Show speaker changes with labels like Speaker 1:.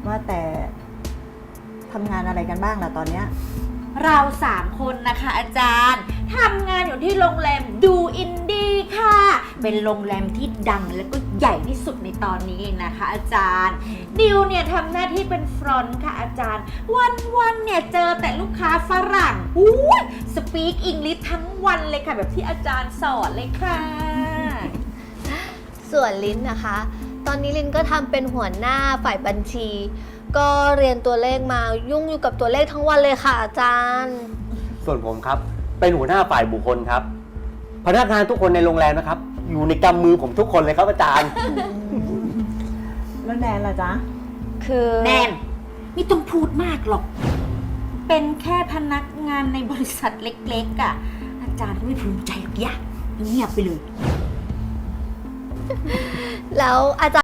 Speaker 1: ว่าแต่ทำงานอะไรกันบ้างล่ะตอนเนี้ย
Speaker 2: เรา3 คนนะคะอาจารย์ทำงานอยู่ที่โรงแรมดูอินดี้ค่ะเป็นโรงแรมที่ดังและก็ใหญ่ที่สุดในตอนนี้เองนะคะอาจารย์ดิวเนี่ยทำหน้าที่เป็นฟรอนต์ค่ะอาจารย์วันเนี่ยเจอแต่ลูกค้าฝรั่งสปีกอังกฤษทั้งวันเลยค่ะแบบที่อาจารย์สอนเลยค่ะ
Speaker 3: ส่วนลิ้นนะคะ ตอนนี้ลิ้นก็ทำเป็นหัวหน้าฝ่ายบัญชี ก็เรียนตัวเลขมายุ่งอยู่กับตัวเลขทั้งวันเลยค่ะอาจารย์
Speaker 4: ส่วนผมครับเป็นหัวหน้าฝ่ายบุคคลครับ พนักงานทุกคนในโรงแรมนะครับ อยู่ในกำมือผมทุกคนเลยครับอาจารย์
Speaker 1: แล้วแนนล่ะจ๊ะ
Speaker 3: คือ
Speaker 2: แนนไม่ต้องพูดมากหรอก เป็นแค่พนักงานในบริษัทเล็กๆอ่ะอาจารย์ก็ไม่ภูมิใจหรอกอย่าเงียบไปเลย
Speaker 3: แล้วอาจารย์